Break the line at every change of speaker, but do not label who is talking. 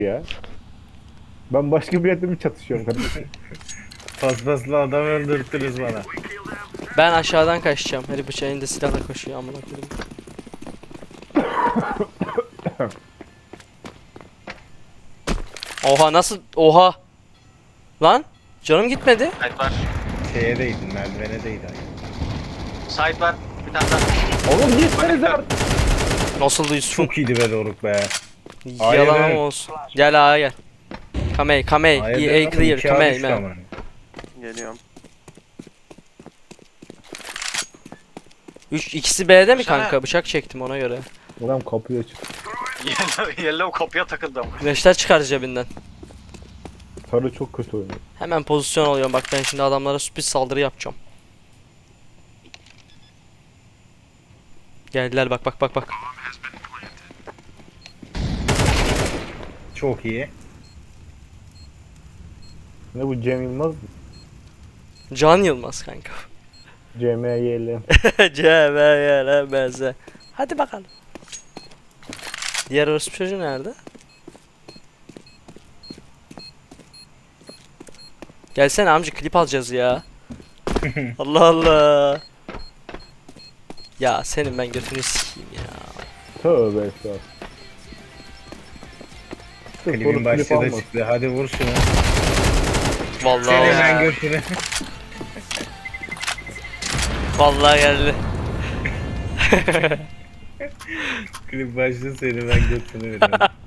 ya. Ben başka bir yerde mi çatışıyorum kardeşim?
Paspaslı adam öldürttünüz bana.
Ben aşağıdan kaçacağım. Herif bıçağında silahla koşuyor amına koyayım. Oha nasıl? Oha. Lan canım gitmedi.
Site var.
Şeye değdin, merdivene değdi.
Site var. Bir tane daha.
Oğlum gitsenize artık.
Nasıldı Yusuf'um?
Çok iyiydi be Doruk be.
Yalan
Hayır.
ama olsun. Gel A'ya gel. Kamey, Kamey.
Hayır
EA
demedim,
clear.
iki ağa
Kamey
düştü
man.
ama.
Geliyorum.
İkisi B'de mi
Sana-
kanka? Bıçak çektim ona göre.
Adam kapıyı açıp
Yellow kapıya takıldım.
Güneşler çıkar cebinden.
sarı çok kötü oynuyor.
Hemen pozisyon alıyorum. Bak ben şimdi adamlara sürpriz saldırı yapacağım. Geldiler bak bak bak bak.
Çok iyi.
Ne bu Cem Yılmaz mı?
Can Yılmaz kanka.
CMYL.
CVYLMZ. Hadi bakalım. Diğer orospu çocuğu nerede? Gelsene amca klip alacağız ya. Allah Allah. Ya senin ben götünü sikeyim ya.
Tövbe estağfurullah.
Klibin başlığı da çıktı. Hadi vur şunu.
Vallahi
Seni
ya.
ben götüne.
Vallahi geldi.
Klip başlığı seni ben götüne veriyorum.